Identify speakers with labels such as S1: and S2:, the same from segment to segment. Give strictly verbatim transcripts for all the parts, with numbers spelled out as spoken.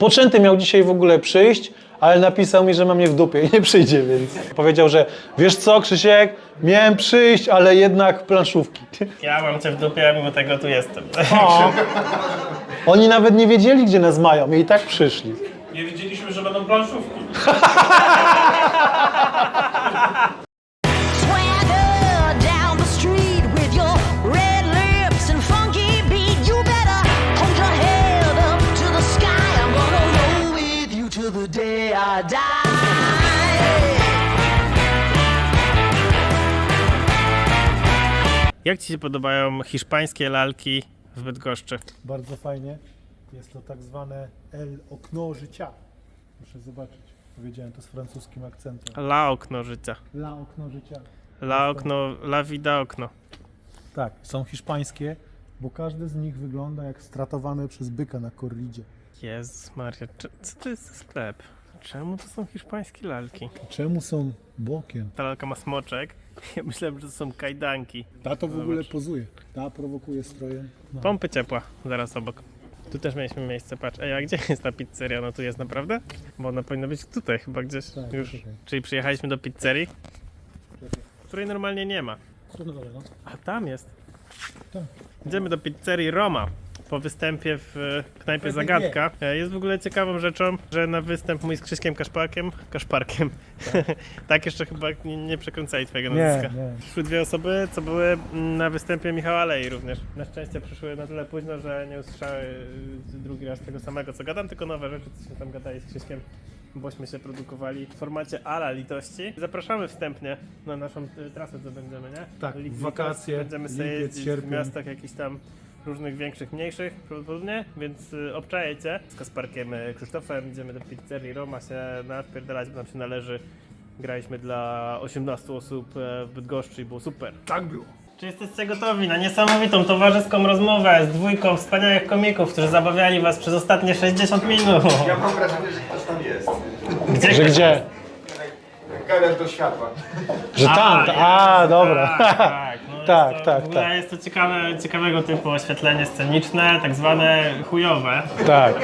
S1: Spoczęty miał dzisiaj w ogóle przyjść, ale napisał mi, że ma mnie w dupie i nie przyjdzie, więc powiedział, że wiesz co, Krzysiek, miałem przyjść, ale jednak planszówki.
S2: Ja mam cię w dupie, a mimo tego tu jestem.
S1: O, oni nawet nie wiedzieli, gdzie nas mają i tak przyszli.
S3: Nie wiedzieliśmy, że będą planszówki.
S4: Swagger down the street with your red lips and funky beat. You better hold your head up to the sky. I'm gonna roll with you till the day I die.
S2: Jak ci się podobają hiszpańskie lalki w Bydgoszczy?
S1: Bardzo fajnie. Jest to tak zwane El Okno Życia. Proszę zobaczyć. Powiedziałem to z francuskim akcentem.
S2: La okno życia.
S1: La Okno Życia.
S2: La okno, la vida okno.
S1: Tak, są hiszpańskie, bo każdy z nich wygląda jak stratowane przez byka na korridzie.
S2: Jezus Maria, czy- co to jest za sklep? Czemu to są hiszpańskie lalki?
S1: Czemu są bokiem?
S2: Ta lalka ma smoczek. Ja myślałem, że to są kajdanki.
S1: Ta to w ogóle pozuje. Ta prowokuje strojem. No.
S2: Pompy ciepła, zaraz obok. Tu też mieliśmy miejsce, patrz. Ej, a gdzie jest ta pizzeria? No tu jest naprawdę? Bo ona powinna być tutaj chyba gdzieś
S1: Tak,
S2: już.
S1: tutaj.
S2: Czyli przyjechaliśmy do pizzerii, której normalnie nie ma.
S1: Tu na dole, no.
S2: A tam jest.
S1: Tak.
S2: Idziemy do pizzerii Roma. Po występie w e, knajpie Zagadka. E, Jest w ogóle ciekawą rzeczą, że na występ mój z Krzyśkiem Kaszparkiem, Kaszparkiem, tak, tak jeszcze chyba nie, nie przekręcali twojego
S1: Nie,
S2: nazwiska.
S1: nie.
S2: Przyszły dwie osoby, co były na występie Michała Alei również. Na szczęście przyszły na tyle późno, że nie usłyszały y, drugi raz tego samego, co gadam, tylko nowe rzeczy, co się tam gadali z Krzyśkiem, bośmy się produkowali w formacie ala litości. Zapraszamy wstępnie na naszą y, trasę, co będziemy, nie?
S1: Tak,
S2: Litość.
S1: wakacje,
S2: Będziemy sobie
S1: lipiec,
S2: jeździć w
S1: sierpień.
S2: miastach jakichś tam różnych większych, mniejszych prawdopodobnie, więc y, obczajecie. Z Kasparkiem y, Krzysztofem idziemy do pizzerii Roma się napierdalać, bo nam się należy. Graliśmy dla osiemnastu osób e, w Bydgoszczy i było super.
S1: Tak było.
S2: Czy jesteście gotowi na niesamowitą towarzyską rozmowę z dwójką wspaniałych komików, którzy zabawiali was przez ostatnie sześćdziesiąt minut?
S5: Ja mam wrażenie, że ktoś tam jest.
S2: Gdzie
S1: Że
S2: ktoś
S1: gdzie?
S2: jest?
S5: Gadasz do światła.
S1: Że tam,
S2: jest,
S1: a, dobra.
S2: Tak, tak, no
S1: Tak,
S2: jest to,
S1: tak,
S2: w ogóle
S1: tak.
S2: jest to ciekawe, ciekawego typu oświetlenie sceniczne, tak zwane chujowe.
S1: Tak.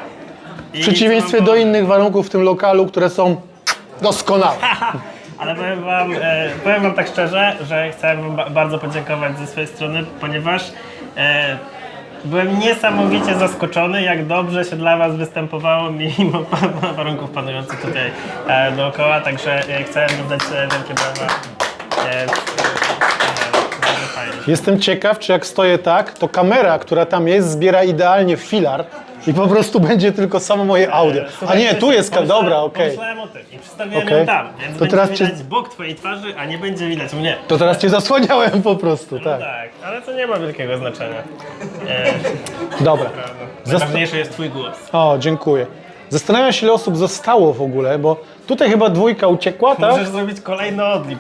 S2: I
S1: W przeciwieństwie
S2: co
S1: do
S2: wam
S1: innych warunków w tym lokalu, które są doskonałe.
S2: Ale powiem wam, e, powiem wam tak szczerze, że chcę wam ba bardzo podziękować ze swojej strony, ponieważ e, byłem niesamowicie zaskoczony, jak dobrze się dla was występowało mimo pa warunków panujących tutaj e, dookoła, także e, chcę oddać e, wielkie brawa. E, bardzo fajnie.
S1: Jestem ciekaw, czy jak stoję tak, to kamera, która tam jest, zbiera idealnie w filar i po prostu będzie tylko samo moje audio. A
S2: Słuchaj,
S1: nie, tu jest kamera,
S2: pomyślałem-
S1: dobra, okej.
S2: Pomyślałem o tym i przedstawiłem
S1: Okej.
S2: ją tam, więc
S1: To
S2: będzie
S1: teraz cię-
S2: widać bok twojej twarzy, a nie będzie widać mnie.
S1: To teraz cię zasłaniałem po prostu,
S2: No
S1: tak.
S2: tak, ale to nie ma wielkiego znaczenia. E,
S1: Dobra.
S2: Najważniejszy jest twój głos.
S1: O, dziękuję. Zastanawiam się, ile osób zostało w ogóle, bo tutaj chyba dwójka uciekła, tak?
S2: Możesz zrobić kolejny odlicz.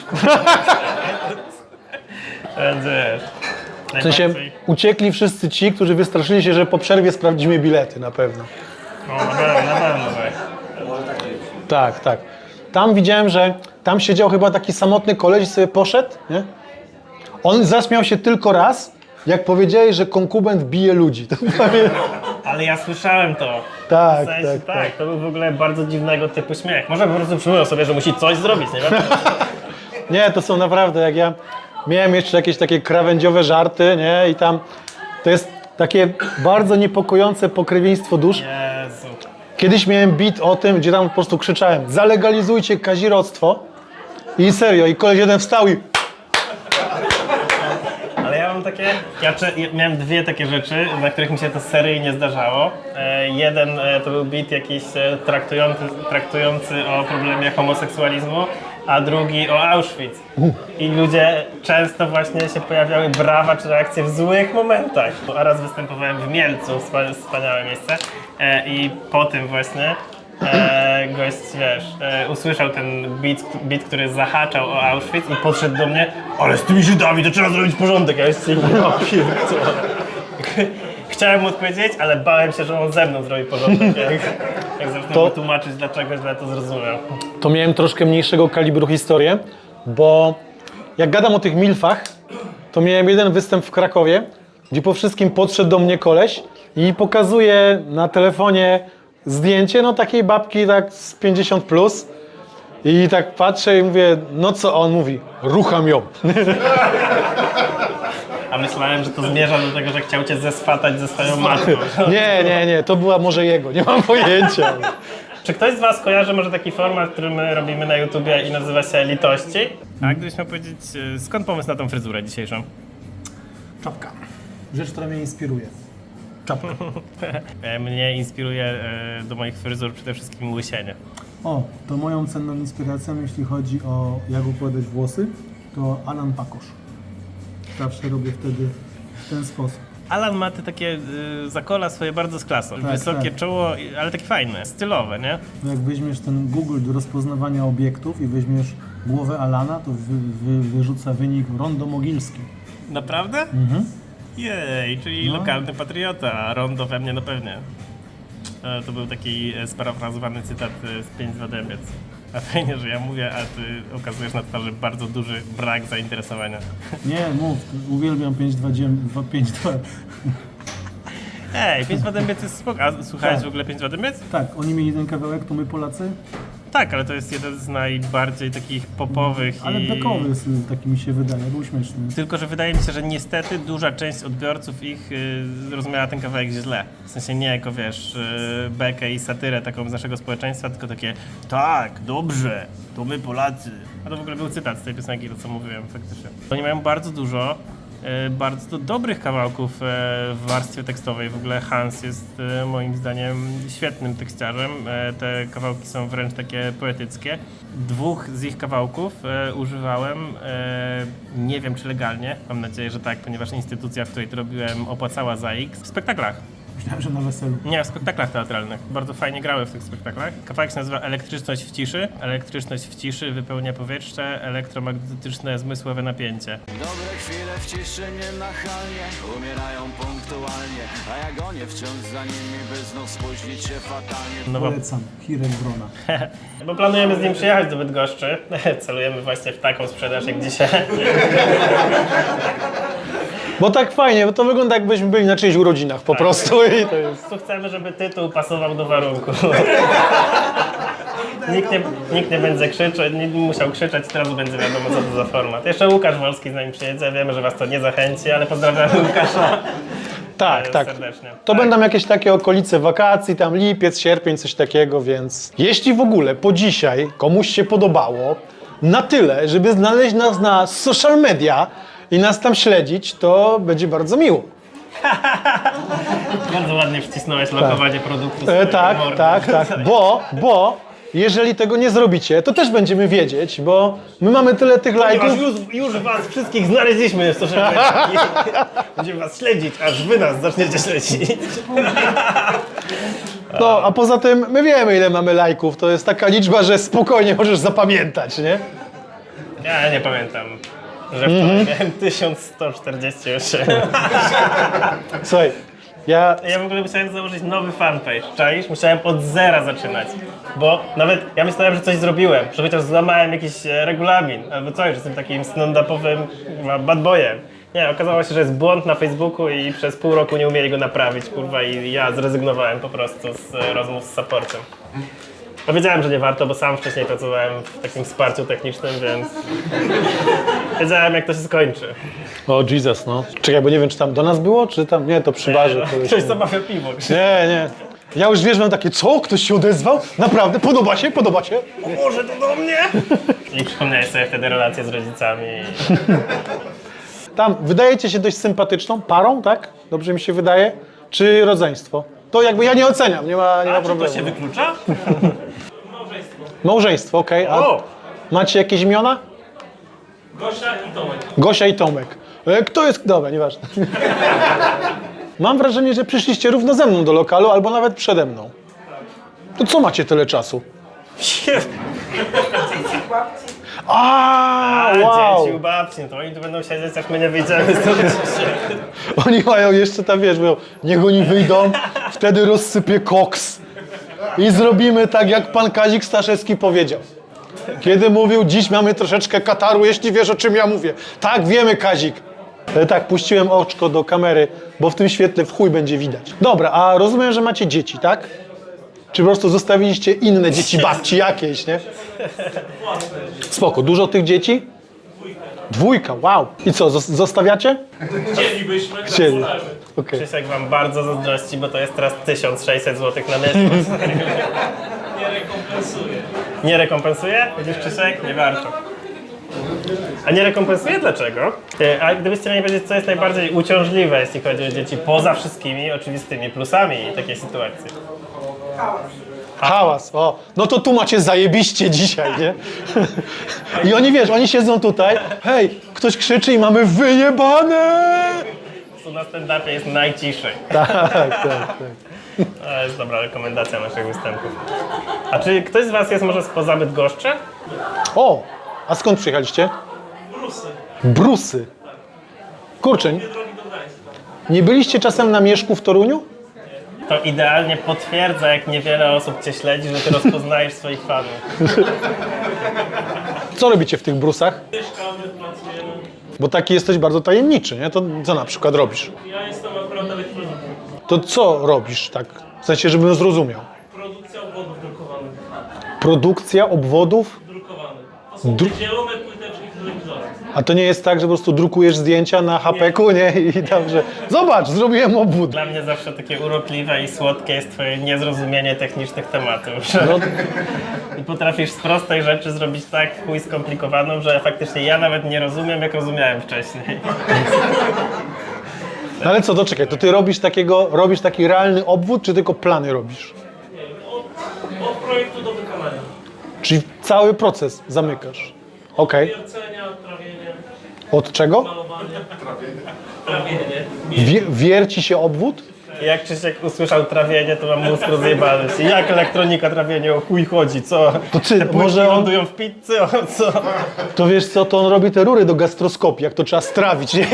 S2: Będzie.
S1: W sensie uciekli wszyscy ci, którzy wystraszyli się, że po przerwie sprawdzimy bilety na pewno.
S2: O, na pewno, na pewno tak.
S1: Tak, tak. Tam widziałem, że tam siedział chyba taki samotny koleś i sobie poszedł, nie? On zaśmiał się tylko raz, jak powiedziałeś, że konkubent bije ludzi. To pamiętam.
S2: Ale ja słyszałem to.
S1: Tak,
S2: W sensie,
S1: tak,
S2: tak,
S1: tak.
S2: to był w ogóle bardzo dziwnego typu śmiech. Może po prostu przypomniał sobie, że musi coś zrobić, nie wiem?
S1: Nie, to są naprawdę, jak ja miałem jeszcze jakieś takie krawędziowe żarty, nie? I tam to jest takie bardzo niepokojące pokrewieństwo dusz.
S2: Jezu.
S1: Kiedyś miałem beat o tym, gdzie tam po prostu krzyczałem: zalegalizujcie kazirodztwo. I serio, i koleś jeden wstał i
S2: Ale ja mam takie, ja, czy, ja miałem dwie takie rzeczy, na których mi się to seryjnie zdarzało. E, jeden e, to był beat jakiś e, traktujący, traktujący o problemie homoseksualizmu, a drugi o Auschwitz. I ludzie często właśnie się pojawiały brawa czy reakcje w złych momentach. A raz występowałem w Mielcu, wspa- wspaniałe miejsce, e, i po tym właśnie e, gość, wiesz, e, usłyszał ten beat, beat, który zahaczał o Auschwitz i podszedł do mnie: ale z tymi Żydami to trzeba zrobić porządek. Ja jeszcze nie Chciałem mu odpowiedzieć, ale bałem się, że on ze mną zrobi porządek, jak, jak zacznę
S1: To-
S2: to... tłumaczyć, dlaczego źle to zrozumiał.
S1: to miałem troszkę mniejszego kalibru historię, bo jak gadam o tych milfach, to miałem jeden występ w Krakowie, gdzie po wszystkim podszedł do mnie koleś i pokazuje na telefonie zdjęcie, no takiej babki tak z pięćdziesiąt plus. I tak patrzę i mówię, no co on mówi? Rucham ją.
S2: A myślałem, że to zmierza do tego, że chciał cię zeswatać ze swoją matką.
S1: Nie, nie, nie, to była może jego, nie mam pojęcia.
S2: Czy ktoś z was kojarzy może taki format, który my robimy na YouTubie i nazywa się Litości? A gdybyś miał powiedzieć, e, skąd pomysł na tą fryzurę dzisiejszą?
S1: Czapka. Rzecz, która mnie inspiruje. Czapka.
S2: E, Mnie inspiruje e, do moich fryzur przede wszystkim łysienie.
S6: O, to moją cenną inspiracją, jeśli chodzi o jak układać włosy, to Alan Pakosz. Zawsze robię wtedy w ten sposób.
S2: Alan ma te takie y, zakola swoje bardzo z klasą. Wysokie
S6: tak.
S2: czoło, i- ale takie fajne, stylowe, nie?
S6: No jak weźmiesz ten Google do rozpoznawania obiektów i weźmiesz głowę Alana, to wy, wy, wyrzuca wynik rondo mogilski.
S2: Naprawdę? Mhm. Jej, czyli
S6: No.
S2: lokalny patriota, a rondo we mnie no pewnie. E, To był taki e, sparafrazowany cytat e, z pięć dwa Dębiec. A fajnie, że ja mówię, a ty okazujesz na twarzy bardzo duży brak zainteresowania.
S6: Nie, mów, uwielbiam pięć dwa pięć dwa.
S2: Ej, pięć dwa Dębiec jest spoko. A słuchałeś
S6: Tak.
S2: w ogóle pięć dwa Dębiec?
S6: Tak, oni mieli ten kawałek, to my Polacy,
S2: Tak, ale to jest jeden z najbardziej takich popowych
S6: ale
S2: i...
S6: bekowy jest, taki mi się wydaje, był śmieszny.
S2: Tylko, że wydaje mi się, że niestety duża część odbiorców ich y, zrozumiała ten kawałek źle. W sensie nie jako, wiesz, y, bekę i satyrę taką z naszego społeczeństwa, tylko takie tak, dobrze, to my Polacy. A to w ogóle był cytat z tej piosenki, to co mówiłem faktycznie. Oni mają bardzo dużo y, bardzo dobrych kawałków y, w warstwie tekstowej. W ogóle Hans jest y, moim zdaniem świetnym tekściarzem. Y, te kawałki są wręcz takie poetyckie. Dwóch z ich kawałków e, używałem, e, nie wiem czy legalnie, mam nadzieję, że tak, ponieważ instytucja, w której to robiłem, opłacała za X, w spektaklach.
S6: Myślałem, że na weselu.
S2: Nie, w spektaklach teatralnych. Bardzo fajnie grały w tych spektaklach. Kawałek się nazywa Elektryczność w ciszy. Elektryczność w ciszy wypełnia powietrze, elektromagnetyczne zmysłowe napięcie.
S7: Dobre chwile w ciszy nienachalnie umierają punktualnie, a ja gonię wciąż za nimi, by znów spóźnić się fatalnie.
S2: No bo,
S6: Polecam, Hirek Wrona.
S2: bo planujemy z nim przyjechać do Bydgoszczy. Celujemy właśnie w taką sprzedaż jak dzisiaj.
S1: Bo tak fajnie, bo to wygląda jakbyśmy byli na czyichś urodzinach po prostu i to jest...
S2: Tu chcemy, żeby tytuł pasował do warunku. Nikt nie, nikt nie będzie krzyczeć, nie musiał krzyczeć, teraz będzie wiadomo co to za format. Jeszcze Łukasz Wolski z nami przyjedzie, wiemy, że was to nie zachęci, ale pozdrawiamy Łukasza
S1: Tak,
S2: e,
S1: tak.
S2: serdecznie.
S1: To
S2: Tak.
S1: będą jakieś takie okolice wakacji, tam lipiec, sierpień, coś takiego, więc jeśli w ogóle po dzisiaj komuś się podobało na tyle, żeby znaleźć nas na social media i nas tam śledzić, to będzie bardzo miło.
S2: Bardzo ładnie wcisnąłeś lokowanie produktu.
S1: E,
S2: z
S1: tak,
S2: mordy.
S1: tak, tak, bo, bo jeżeli tego nie zrobicie, to też będziemy wiedzieć, bo my mamy tyle tych
S2: Ponieważ
S1: lajków.
S2: już, już was wszystkich znaleźliśmy w social media. Będziemy was śledzić, aż wy nas zaczniecie śledzić.
S1: No, a poza tym my wiemy, ile mamy lajków. To jest taka liczba, że spokojnie możesz zapamiętać, nie?
S2: Ja nie pamiętam, że wczoraj miałem tysiąc sto czterdzieści osiem.
S1: Słuchaj, ja...
S2: Ja w ogóle musiałem założyć nowy fanpage, czaisz? Musiałem od zera zaczynać, bo nawet ja myślałem, że coś zrobiłem, że chociaż złamałem jakiś e, regulamin, albo coś, że jestem takim stand-upowym kurwa, bad boyem. Nie, okazało się, że jest błąd na Facebooku i przez pół roku nie umieli go naprawić, kurwa, i ja zrezygnowałem po prostu z e, rozmów z supportem. Powiedziałem, że nie warto, bo sam wcześniej pracowałem w takim wsparciu technicznym, więc wiedziałem, jak to się skończy.
S1: O Jesus, no. Czekaj, bo nie wiem, czy tam do nas było, czy tam... Nie, to przy barze.
S2: No, ktoś zamawia piwo.
S1: Nie, nie. Ja już wiesz, mam takie, co? Ktoś się odezwał? Naprawdę? Podoba się? Podoba się?
S2: O Boże, to do mnie! I przypomniałeś sobie wtedy relacje z rodzicami.
S1: Tam, wydajecie się dość sympatyczną parą, tak? Dobrze mi się wydaje? Czy rodzeństwo? To jakby ja nie oceniam, nie ma, nie ma
S2: A czy to
S1: problemu.
S2: się wyklucza?
S1: Małżeństwo, okej. A
S2: O!
S1: macie jakieś imiona?
S2: Gosia i Tomek.
S1: Gosia i Tomek. E, Kto jest... Dobra, nieważne. Mam wrażenie, że przyszliście równo ze mną do lokalu, albo nawet przede mną. To co macie tyle czasu? A,
S2: A,
S1: wow!
S2: dzieci u babci, no to oni tu będą siedzieć, jak my nie wyjdziemy z tego.
S1: Oni mają jeszcze tam, wiesz, mówią, niech oni wyjdą, wtedy rozsypię koks. I zrobimy tak, jak pan Kazik Staszewski powiedział. Kiedy mówił, dziś mamy troszeczkę kataru, jeśli wiesz, o czym ja mówię. Tak, wiemy, Kazik. E, Tak, puściłem oczko do kamery, bo w tym świetle w chuj będzie widać. Dobra, a rozumiem, że macie dzieci, tak? Czy po prostu zostawiliście inne dzieci babci jakieś, nie? Spoko, dużo tych dzieci? Dwójka, wow. I co, zos- zostawiacie?
S3: Chcielibyśmy, tak
S1: Chcieli.
S3: wolamy.
S1: Okej.
S2: Krzysiek wam bardzo zazdrości, bo to jest teraz tysiąc sześćset złotych na miesiąc.
S3: Nie rekompensuje.
S2: Nie rekompensuje? Widzisz, Krzysiek? Nie warto. A nie rekompensuje dlaczego? Ty, a gdybyście mieli powiedzieć, co jest najbardziej uciążliwe, jeśli chodzi o dzieci, poza wszystkimi oczywistymi plusami takiej sytuacji?
S1: Hałas, o. No to tu macie zajebiście dzisiaj, nie? I oni, wiesz, oni siedzą tutaj, hej, ktoś krzyczy i mamy wyjebane!
S2: Tu na stand-upie jest najciszej.
S1: Tak, tak, tak.
S2: To jest dobra rekomendacja naszych występów. A czy ktoś z was jest może spoza Bydgoszczy?
S1: O, a skąd przyjechaliście?
S3: Brusy.
S1: Brusy. Kurczę,
S3: Drogi do Gdańska.
S1: nie byliście czasem na Mieszku w Toruniu?
S2: To idealnie potwierdza, jak niewiele osób cię śledzi, że ty rozpoznajesz swoich fanów.
S1: Co robicie w tych brusach?
S3: Mieszkamy, pracujemy.
S1: Bo taki jesteś bardzo tajemniczy, nie? To co na przykład robisz?
S3: Ja jestem akurat elektronikiem.
S1: To co robisz tak? W sensie, żebym zrozumiał.
S3: Produkcja obwodów drukowanych.
S1: Produkcja obwodów?
S3: Drukowanych. To są
S1: Dru-
S3: zielone płyteczki w telewizorach.
S1: A to nie jest tak, że po prostu drukujesz zdjęcia na hapeku, nie? I tam, że zobacz, zrobiłem obwód.
S2: Dla mnie zawsze takie urokliwe i słodkie jest twoje niezrozumienie technicznych tematów. Że
S1: No,
S2: I potrafisz z prostej rzeczy zrobić tak chuj skomplikowaną, że faktycznie ja nawet nie rozumiem, jak rozumiałem wcześniej.
S1: no ale co, to czekaj, to ty robisz takiego, robisz taki realny obwód, czy tylko plany robisz?
S3: Nie wiem, od, od projektu do wykonania.
S1: Czyli cały proces zamykasz. Okej.
S3: Wiercenia, trawienie,
S1: Od czego?
S3: malowanie. Trawienie.
S1: Wie, wierci się obwód?
S2: I jak Krzysiek usłyszał trawienie, to mam mózg rozjebany. Jak elektronika trawienie, o chuj chodzi, co?
S1: To ty,
S2: Te płytki
S1: może on-
S2: lądują w pizzy, o co?
S1: To wiesz co, to on robi te rury do gastroskopii, jak to trzeba strawić, nie?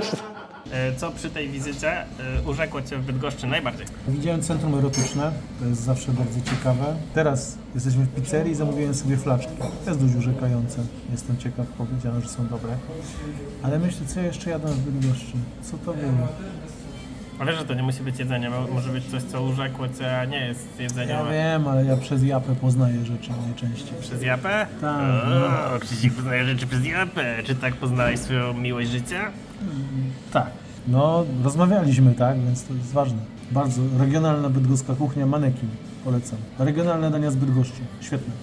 S2: Co przy tej wizycie e, urzekło cię w Bydgoszczy najbardziej?
S6: Widziałem centrum erotyczne, to jest zawsze bardzo ciekawe. Teraz jesteśmy w pizzerii i zamówiłem sobie flaczki. To jest dość urzekające. Jestem ciekaw, powiedziano, że są dobre. Ale myślę, co jeszcze jadłem w Bydgoszczy? Co to było?
S2: A wiesz, że to nie musi być jedzenie, mo- może być coś, co urzekło cię, nie jest jedzeniem.
S6: Ja wiem, ale ja przez japę poznaję rzeczy najczęściej.
S2: Przez japę?
S6: Tak.
S2: O, Krzysiek poznaje rzeczy przez japę. Czy tak poznałeś swoją miłość życia?
S6: Tak. No, rozmawialiśmy, tak, więc to jest ważne. Bardzo regionalna bydgoska kuchnia, manekin. Polecam. Regionalne dania z Bydgoszczy. Świetne.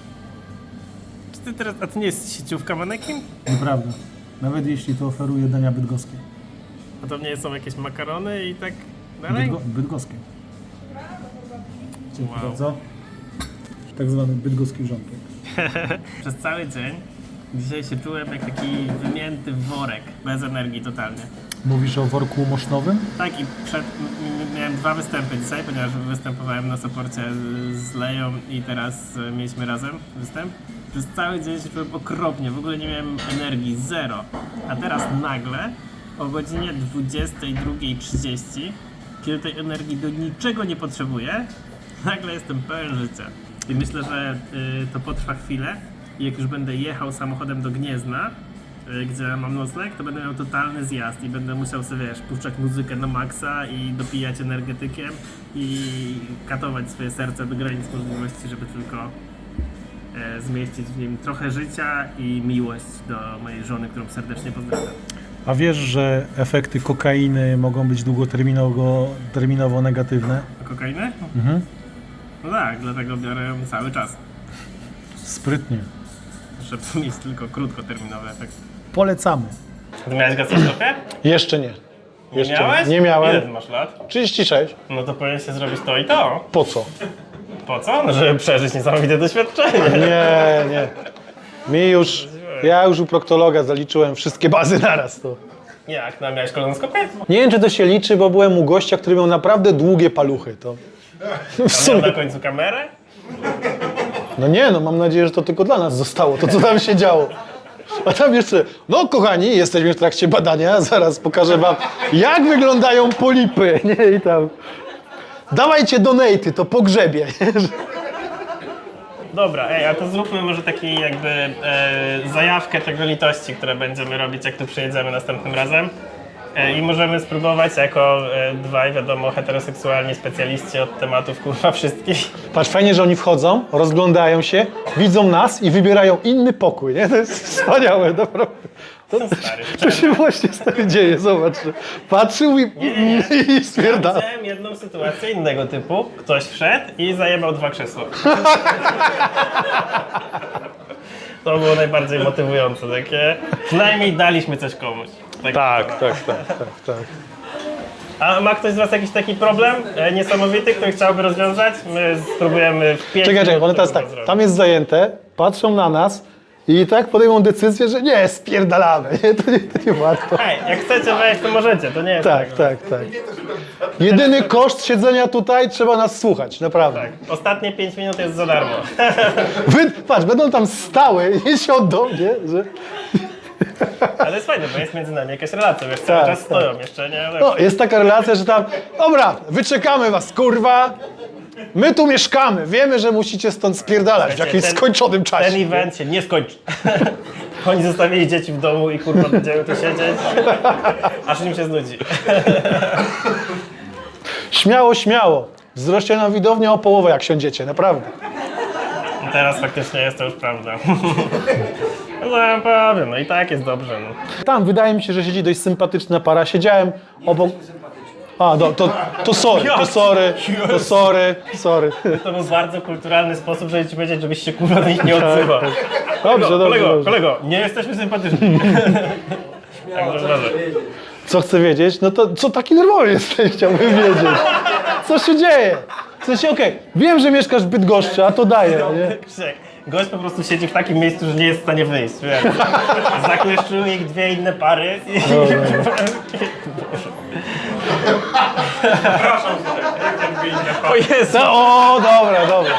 S2: Czy ty teraz, a to nie jest sieciówka manekin?
S6: Nieprawda. Nawet jeśli to oferuje dania bydgoskie.
S2: A to nie są jakieś makarony i tak dalej?
S6: Bydgo bydgoskie. Dziękuję
S2: Wow.
S6: bardzo. Tak zwany bydgoski wrzątek.
S2: Przez cały dzień dzisiaj się czułem jak taki wymięty worek, bez energii totalnie.
S6: Mówisz o worku mosznowym?
S2: Tak i przed, m- m- miałem dwa występy dzisiaj, ponieważ występowałem na Soporcie z- z Leją i teraz e, mieliśmy razem występ. Przez cały dzień się czułem okropnie, w ogóle nie miałem energii, zero. A teraz nagle o godzinie dwudziestej drugiej trzydzieści, kiedy tej energii do niczego nie potrzebuję, nagle jestem pełen życia. I myślę, że y, to potrwa chwilę i jak już będę jechał samochodem do Gniezna, y, gdzie mam nocleg, to będę miał totalny zjazd i będę musiał sobie, wiesz, puszczać muzykę na maksa i dopijać energetykiem i katować swoje serce do granic możliwości, żeby tylko e, zmieścić w nim trochę życia i miłość do mojej żony, którą serdecznie pozdrawiam.
S6: A wiesz, że efekty kokainy mogą być długoterminowo terminowo negatywne?
S2: A kokainy?
S6: Mhm.
S2: No tak, dlatego biorę ją cały czas,
S6: Sprytnie.
S2: żeby mieć tylko krótkoterminowy efekt.
S6: Polecamy.
S2: Ty miałeś gastroskopię?
S1: Jeszcze nie.
S2: Nie
S1: Jeszcze
S2: miałeś?
S1: nie miałem.
S2: Ile ty masz lat?
S1: trzydzieści sześć.
S2: No to powinien się zrobić to i to.
S1: Po co?
S2: Po co? No, żeby przeżyć niesamowite doświadczenie.
S1: Nie, nie. Mi już, ja już u proktologa zaliczyłem wszystkie bazy naraz. To.
S2: Jak? No miałeś kolonoskopię?
S1: Nie wiem, czy to się liczy, bo byłem u gościa, który miał naprawdę długie paluchy. To w
S2: A miał
S1: sumie.
S2: na końcu kamerę?
S1: No nie, no mam nadzieję, że to tylko dla nas zostało, to co tam się działo. A tam jeszcze, no kochani, jesteśmy w trakcie badania, zaraz pokażę wam, jak wyglądają polipy, nie, i tam. Dawajcie donaty, to pogrzebie.
S2: Dobra, ej, a to zróbmy może taki jakby e, zajawkę tego litości, które będziemy robić, jak tu przyjedziemy następnym razem. E, I możemy spróbować jako e, dwaj, wiadomo, heteroseksualni specjaliści od tematów kurwa wszystkich.
S1: Patrz, fajnie, że oni wchodzą, rozglądają się, widzą nas i wybierają inny pokój, nie? To jest wspaniałe, naprawdę. To,
S2: Stary.
S1: to się właśnie stary dzieje, zobacz. Patrzył i, i stwierdza.
S2: Widziałem jedną sytuację innego typu. Ktoś wszedł i zajebał dwa krzesła. To było najbardziej motywujące, takie przynajmniej daliśmy coś komuś. Tak,
S1: Tak, tak, tak, tak, tak.
S2: A ma ktoś z was jakiś taki problem e, niesamowity, który chciałby rozwiązać? My spróbujemy w pięć
S1: Czekaj, czekaj,
S2: minut
S1: one teraz
S2: to
S1: tak,
S2: zrobić.
S1: tam jest zajęte, patrzą na nas i tak podejmą decyzję, że nie, spierdalamy, nie, to nie, to nie warto.
S2: Hej, jak chcecie wejść, to możecie, to nie jest
S1: Tak, tak, tak. Jedyny koszt siedzenia tutaj, trzeba nas słuchać, naprawdę.
S2: tak. Ostatnie pięć minut jest za darmo.
S1: Wy, patrz, będą tam stały i siądą, nie, że...
S2: Ale jest fajne, bo jest między nami jakaś relacja, wiesz, cały
S1: Tak,
S2: czas
S1: tak.
S2: stoją jeszcze, nie?
S1: No, jest taka relacja, że tam, dobra, wyczekamy was, kurwa, my tu mieszkamy, wiemy, że musicie stąd spierdalać w jakimś
S2: ten-
S1: skończonym czasie.
S2: Ten event się nie skończy. Oni zostawili dzieci w domu i kurwa będziemy tu siedzieć, aż im się znudzi.
S1: Śmiało, śmiało, wzrośnie nam widownię o połowę, jak siądziecie, naprawdę.
S2: I teraz faktycznie jest to już prawda. No ja powiem, no i tak jest dobrze. No.
S1: Tam wydaje mi się, że siedzi dość sympatyczna para. Siedziałem obok. A, do, to, to sorry, to sorry, to sorry, sorry.
S2: To był bardzo kulturalny sposób, żeby ci powiedzieć, żebyś się kurwa do nich nie odzywał.
S1: Dobrze, dobrze,
S2: Kolego,
S1: dobrze.
S2: kolego, nie jesteśmy sympatyczni. Także uważaj.
S1: Co chcę wiedzieć? No to co taki nerwowy jesteś, chciałbym wiedzieć. Co się dzieje? W sensie, okej, wiem, że mieszkasz w Bydgoszczy, a to daje, nie?
S2: Krzysiek, gość po prostu siedzi w takim miejscu, że nie jest w stanie wyjść, wiesz. Zakleszczyły ich dwie inne pary i... O Jezu!
S1: No, o, dobra, dobra.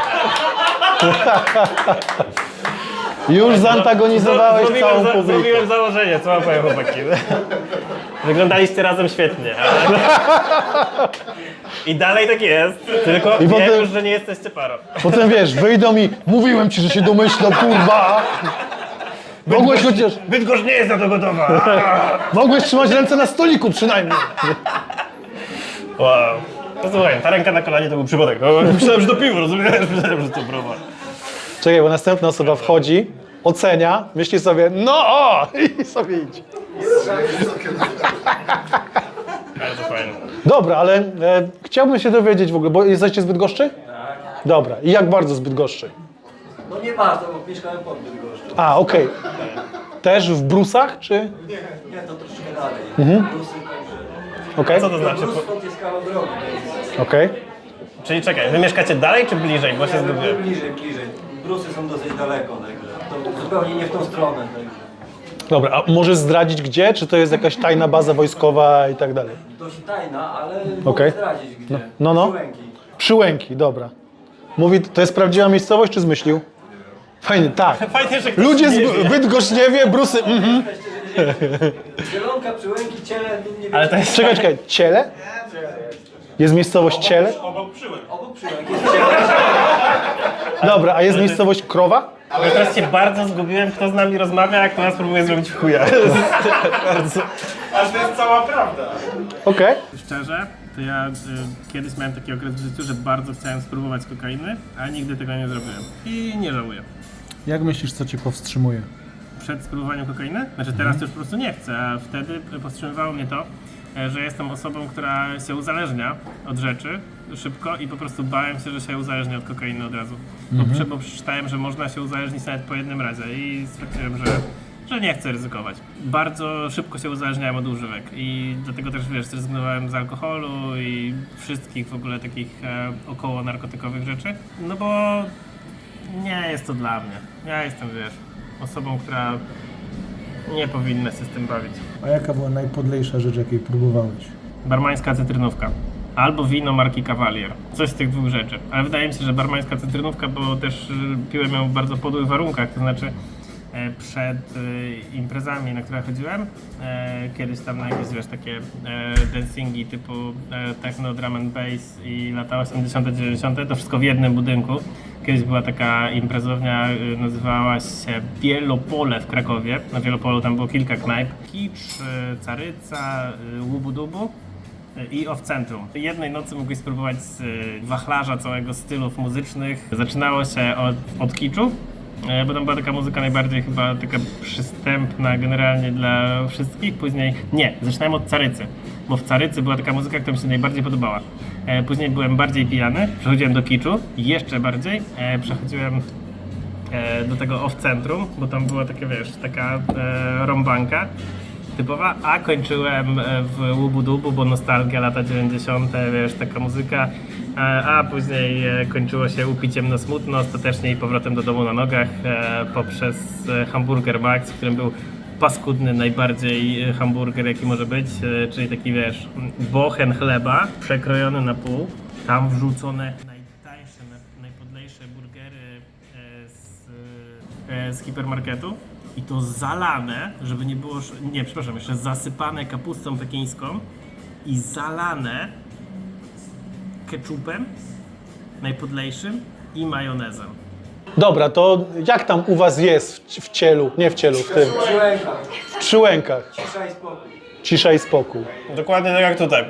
S1: Już zantagonizowałeś
S2: Zrobiłem
S1: całą
S2: za-
S1: publikę.
S2: Zrobiłem założenie, co mam powiem, chłopaki. Wyglądaliście razem świetnie. Ale... I dalej tak jest, tylko
S1: I
S2: wiem
S1: potem-
S2: już, że nie jesteście parą.
S1: Potem wiesz, wyjdą i mówiłem ci, że się domyślam, kurwa. Mogłeś chociaż,
S2: Bydgoszcz nie jest na to gotowa.
S1: mogłeś trzymać ręce na stoliku przynajmniej.
S2: Wow. No słuchaj, ta ręka na kolanie to był przypadek. No, myślałem, że to piwo, rozumiesz? Myślałem, że to browar.
S1: Czekaj, bo następna osoba wchodzi, ocenia, myśli sobie, no o, i sobie idzie.
S2: Bardzo fajne.
S1: Dobra, ale e, chciałbym się dowiedzieć w ogóle, bo jesteście z Bydgoszczy? Tak. Dobra, i jak bardzo z Bydgoszczy?
S8: No nie bardzo, bo mieszkałem pod Bydgoszczą.
S1: A, okej. Też w Brusach, czy?
S8: Nie, to troszkę dalej.
S1: Mhm.
S8: Brusy, także...
S1: Okej,
S2: Co to znaczy?
S8: Brus stąd jest kawał drogi.
S1: okej.
S2: Czyli czekaj, wy mieszkacie dalej czy bliżej? Bo się
S8: Nie,
S2: zgubiłem.
S8: bliżej, bliżej. Brusy są dosyć daleko, także to zupełnie nie w tą stronę. Także.
S1: Dobra, a możesz zdradzić gdzie? Czy to jest jakaś tajna baza wojskowa i tak dalej?
S8: Dość tajna, ale
S1: Okej.
S8: mogę zdradzić gdzie.
S1: No, no.
S8: Przyłęki.
S1: Przyłęki, dobra. Mówi, to jest prawdziwa miejscowość, czy zmyślił? Fajnie, tak.
S2: Fajnie, że ktoś
S1: Ludzie z
S2: nie wie.
S1: Bydgoszcz nie wie, Brusy, mhm.
S8: Zielonka, Przyłęki, Ciele, nie wiem.
S2: Ale to jest...
S1: Czekaj, czekaj, Ciele? Jest miejscowość Ciele?
S3: Obok przyłek.
S8: Obok Przyłęk jest Ciele.
S1: Dobra, a jest miejscowość Krowa?
S2: Ja teraz się bardzo zgubiłem, kto z nami rozmawia, a kto nas próbuje zrobić w chuja. Bardzo...
S3: Aż to jest cała prawda.
S1: Okej.
S2: Szczerze, to ja y, kiedyś miałem taki okres w życiu, że bardzo chciałem spróbować kokainy, a nigdy tego nie zrobiłem. I nie żałuję.
S6: Jak myślisz, co cię powstrzymuje?
S2: Przed spróbowaniem kokainy? Znaczy teraz to już po prostu nie chcę, a wtedy powstrzymywało mnie to, e, że jestem osobą, która się uzależnia od rzeczy szybko i po prostu bałem się, że się uzależnię od kokainy od razu. Bo, prze, bo przeczytałem, że można się uzależnić nawet po jednym razie i stwierdziłem, że, że nie chcę ryzykować. Bardzo szybko się uzależniałem od używek i dlatego też, wiesz, zrezygnowałem z alkoholu i wszystkich w ogóle takich e, około narkotykowych rzeczy, no bo nie jest to dla mnie. Ja jestem, wiesz, osobą, która nie powinna się z tym bawić.
S6: A jaka była najpodlejsza rzecz, jakiej próbowałeś?
S2: Barmańska cytrynówka. Albo wino marki Cavalier. Coś z tych dwóch rzeczy. Ale wydaje mi się, że barmańska cytrynówka, bo też y, piłem ją w bardzo podłych warunkach, to znaczy e, przed y, imprezami, na które chodziłem, e, kiedyś tam na jakieś, wiesz, takie e, dancingi typu e, techno, drum and bass i lata osiemdziesiąte, dziewięćdziesiąte, to wszystko w jednym budynku. kiedyś była taka imprezownia, y, nazywała się Wielopole w Krakowie. Na Wielopolu tam było kilka knajp. Kicz, y, Caryca, y, Łubu-Dubu y, i Off-Centrum. Jednej nocy mogłeś spróbować z y, wachlarza całego stylów muzycznych. Zaczynało się od, od kiczu, y, bo tam była taka muzyka najbardziej chyba taka przystępna generalnie dla wszystkich. Później, nie, zaczynałem od Carycy, bo w Carycy była taka muzyka, która mi się najbardziej podobała. E, Później byłem bardziej pijany, przechodziłem do kiczu, jeszcze bardziej, e, przechodziłem e, do tego off-centrum, bo tam była taka, wiesz, taka e, rąbanka typowa, a kończyłem e, w Łubu-Dubu, bo nostalgia, lata dziewięćdziesiąte, wiesz, taka muzyka, e, a później e, kończyło się upiciem na smutno, ostatecznie i powrotem do domu na nogach e, poprzez e, Hamburger Max, w którym był paskudny najbardziej hamburger jaki może być, e, czyli taki, wiesz, bochen chleba przekrojony na pół, tam wrzucone najtańsze, naj- najpodlejsze burgery e, z, e, z hipermarketu i to zalane, żeby nie było, sz- nie, przepraszam, jeszcze zasypane kapustą pekińską i zalane ketchupem najpodlejszym i majonezem.
S1: Dobra, to jak tam u was jest w, w cielu, nie w cielu, w tym,
S8: Przyłęka,
S1: w przyłękach?
S8: cisza i spokój.
S1: Cisza i spokój.
S2: Dokładnie tak jak tutaj.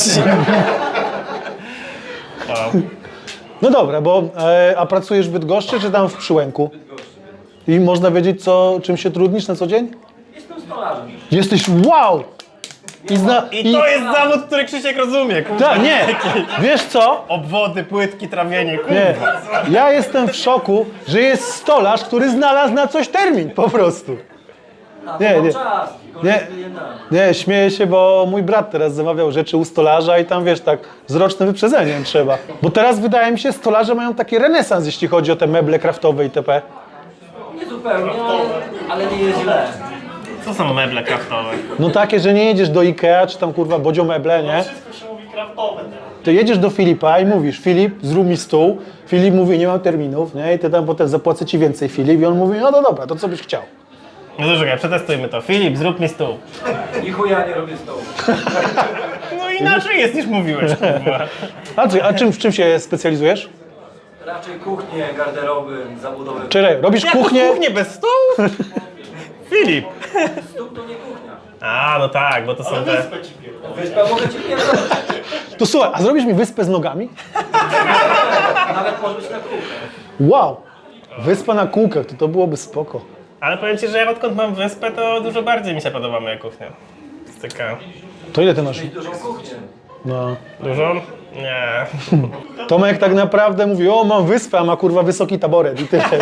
S2: Wow.
S1: No dobra, bo e, a pracujesz w Bydgoszczy czy tam w Przyłęku? I można wiedzieć, co, czym się trudnisz na co dzień?
S8: Jestem stolarzem.
S1: Jesteś wow! I, zna,
S2: I to jest zawód, który Krzysiek rozumie, kurwa.
S1: Ta, nie, wiesz co?
S2: Obwody, płytki, trawienie, kurwa.
S1: Nie. Ja jestem w szoku, że jest stolarz, który znalazł na coś termin, po prostu.
S8: A,
S1: Nie,
S8: nie, mam
S1: nie.
S8: czas.
S1: Nie.
S8: Nie.
S1: Nie, śmieję się, bo mój brat teraz zamawiał rzeczy u stolarza i tam, wiesz, tak z rocznym wyprzedzeniem trzeba. Bo teraz wydaje mi się, stolarze mają taki renesans, jeśli chodzi o te meble kraftowe itp.
S8: Nie zupełnie, ale, ale nie jest źle.
S2: Co są meble kraftowe?
S1: No takie, że nie jedziesz do Ikea, czy tam kurwa Bodzio Meble, nie?
S2: Wszystko się mówi kraftowe teraz.
S1: Ty jedziesz do Filipa i mówisz, Filip, zrób mi stół. Filip mówi, nie mam terminów, nie? I ty tam potem zapłacę ci więcej, Filip. I on mówi, no to dobra, to co byś chciał?
S2: No to czekaj, przetestujmy to. Filip, zrób mi stół.
S8: I chuja nie robię stołu.
S2: No inaczej jest niż mówiłeś, kurwa.
S1: A, czy, a czym, w czym się specjalizujesz?
S8: Raczej kuchnie, garderoby, zabudowy.
S1: Czekaj, robisz
S2: Jaką
S1: kuchnię?
S2: kuchnię bez stołu? Filip.
S8: Stół to nie kuchnia.
S2: A, no tak, bo to są te...
S8: Wyspa mogę ci pierdolić.
S1: To słuchaj, a zrobisz mi wyspę z nogami?
S8: Nawet może być na kółkę.
S1: Wow! Wyspa na kółkach, to to byłoby spoko.
S2: Ale powiem ci, że ja odkąd mam wyspę, to dużo bardziej mi się podoba moja kuchnia. Jest taka...
S1: To ile ty masz?
S8: Dużą kuchnię.
S1: No.
S2: Dużo? Nie.
S1: Tomek tak naprawdę mówi, o mam wyspę, a ma kurwa wysoki taboret i tyle.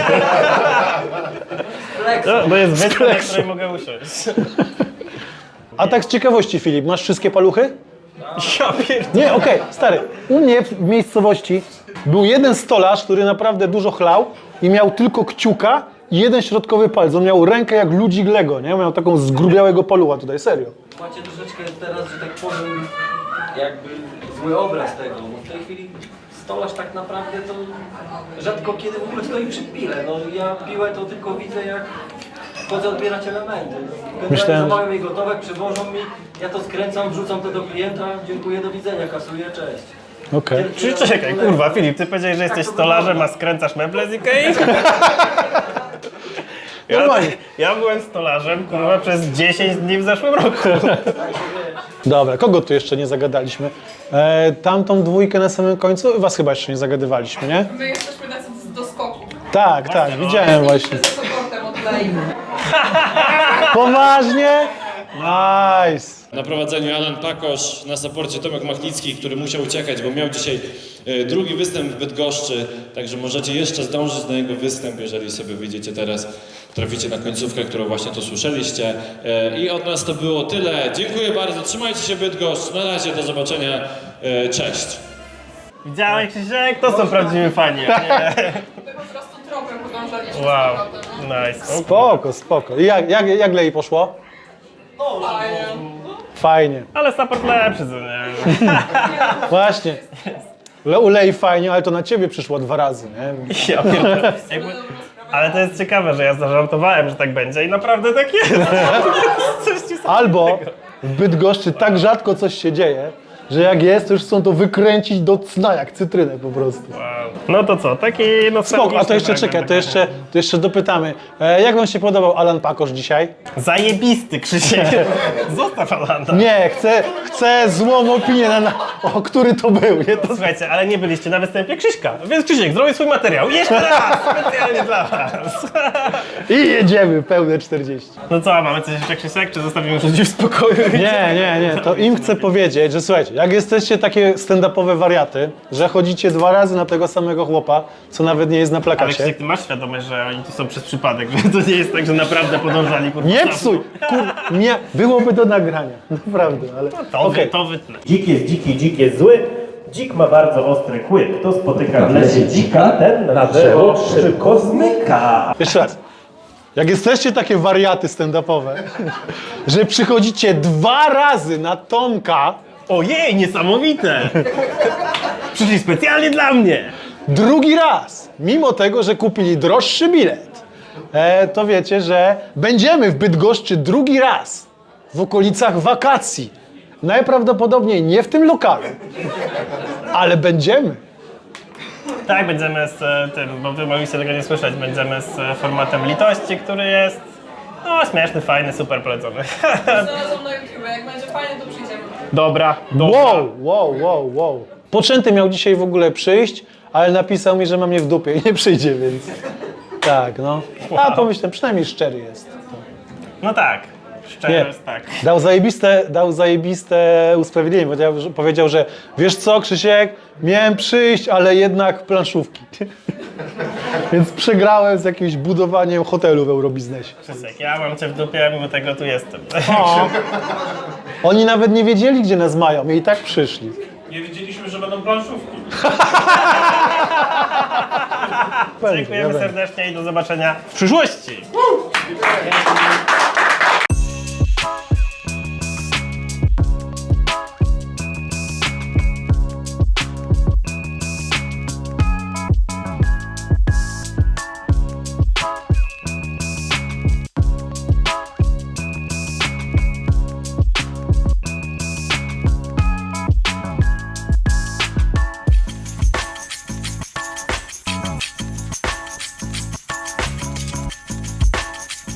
S8: Flex.
S2: No, bo jest wyspa, na
S1: Flexu.
S2: której mogę usiąść.
S1: A tak z ciekawości, Filip, masz wszystkie paluchy?
S2: Ja pierdolę.
S1: Nie, okej, stary. U mnie w miejscowości był jeden stolarz, który naprawdę dużo chlał i miał tylko kciuka i jeden środkowy palec. On miał rękę jak ludzik Lego, nie? Miał taką zgrubiałego palucha tutaj, serio.
S8: Macie troszeczkę teraz, że tak powiem, jakby zły obraz tego. No w tej chwili stolarz tak naprawdę to rzadko kiedy w ogóle stoi przy pile. No ja piłę to tylko widzę, jak chodzę odbierać elementy. Generalnie
S1: Myślałem, że-
S8: zamawiam jej gotowe, przywożą mi, ja to skręcam, wrzucam to do klienta, dziękuję, do widzenia, kasuję, cześć.
S1: Okej.
S2: Czy czekaj, kurwa, Filip, ty powiedziałeś, że jesteś stolarzem, a skręcasz meble z Ikei? Ja,
S1: Normalnie.
S2: ja byłem stolarzem, kurwa, przez dziesięć dni w zeszłym roku.
S1: Dobra, kogo tu jeszcze nie zagadaliśmy? E, tamtą dwójkę na samym końcu, was chyba jeszcze nie zagadywaliśmy, nie?
S9: My jesteśmy tacy do skoku.
S1: Tak, tak,
S2: no.
S1: widziałem właśnie.
S9: Ze supportem od Lei.
S1: Poważnie? Nice.
S10: Na prowadzeniu Alan Pakosz, na saporcie Tomek Machnicki, który musiał uciekać, bo miał dzisiaj e, drugi występ w Bydgoszczy, także możecie jeszcze zdążyć na jego występ, jeżeli sobie wyjdziecie teraz, traficie na końcówkę, którą właśnie tu słyszeliście. E, I od nas to było tyle. Dziękuję bardzo, trzymajcie się Bydgoszcz, na razie, do zobaczenia, e, cześć.
S2: Widziałeś, Krzysiek? To są prawdziwi fani, a nie?
S9: My po prostu tropem podążaliśmy.
S2: Wow,
S9: z powrotem, no.
S2: nice. O,
S1: Spoko, spoko. I jak, jak, jak Lei poszło?
S9: Fajnie.
S1: Fajnie.
S2: ale support lepszy, co nie?
S1: Właśnie. Le, u Lei fajnie, ale to na ciebie przyszło dwa razy, nie?
S2: Ja pierdolę. Jakby... Ale to jest ciekawe, że ja zażartowałem, że tak będzie i naprawdę tak jest. Coś ci
S1: Albo w Bydgoszczy tak rzadko coś się dzieje, że jak jest, to już chcą to wykręcić do cna, jak cytrynę po prostu.
S2: Wow. No to co, taki
S1: Spoko,
S2: nostalgiczny
S1: a to jeszcze
S2: fragment
S1: czekaj, to
S2: taka-
S1: jeszcze, to jeszcze dopytamy. E, jak wam się podobał Alan Pakosz dzisiaj?
S2: Zajebisty, Krzysiek. Zostaw Alanda.
S1: Nie, chcę, chcę złą opinię, na, na, o który to był. Nie? To...
S2: Słuchajcie, ale nie byliście na występie Krzyśka, więc Krzysiek, zrobię swój materiał. Jeszcze raz, specjalnie dla was.
S1: I jedziemy, pełne czterdzieści.
S2: No co, mamy coś jeszcze, Krzysiek, czy zostawimy już ludzi w spokoju?
S1: Nie, nie, nie, to im chcę powiedzieć, że słuchajcie, jak jesteście takie stand-upowe wariaty, że chodzicie dwa razy na tego samego chłopa, co nawet nie jest na
S2: Ale
S1: plakacie.
S2: Krzysiek, ty masz świadomość, że oni tu są przez przypadek, że to nie jest tak, że naprawdę podążali kurwa.
S1: Nie
S2: za-
S1: psuj! Kur... Nie, byłoby do nagrania, naprawdę, ale
S2: To,
S1: okej.
S2: wy, to wytnę.
S11: Dzik jest dziki, dzik jest zły. Dzik ma bardzo ostry kły. Kto spotyka w lesie dzika, ten na drzewo szybko zmyka.
S1: Jeszcze raz. Jak jesteście takie wariaty stand-upowe, że przychodzicie dwa razy na Tomka,
S2: Ojej, niesamowite! Przyszli specjalnie dla mnie!
S1: drugi raz, mimo tego, że kupili droższy bilet, e, to wiecie, że będziemy w Bydgoszczy drugi raz w okolicach wakacji. Najprawdopodobniej nie w tym lokalu, ale będziemy.
S2: Tak, będziemy z e, tym, bo wy mogliście tego nie słyszeć, będziemy z e, formatem litości, który jest no śmieszny, fajny, super polecony.
S9: Znalazłam na YouTube, jak będzie fajnie, to przyjdziemy.
S2: Dobra, dobra.
S1: Wow, wow, wow, wow. Poczęty miał dzisiaj w ogóle przyjść, ale napisał mi, że ma mnie w dupie i nie przyjdzie, więc tak, no. A pomyślałem, przynajmniej szczery jest.
S2: No tak, szczerze
S1: Nie.
S2: jest tak.
S1: Dał zajebiste, dał zajebiste usprawiedliwienie. Powiedział, że, powiedział, że wiesz co, Krzysiek, miałem przyjść, ale jednak planszówki. Więc przegrałem z jakimś budowaniem hotelu w Eurobiznesie.
S2: Krzysiek, ja mam cię w dupie, mimo tego tu jestem.
S1: O. Oni nawet nie wiedzieli, gdzie nas mają i tak przyszli.
S11: Nie wiedzieliśmy, że będą planszówki.
S1: Będzie,
S2: Dziękujemy
S1: ja będę.
S2: serdecznie i do zobaczenia w przyszłości.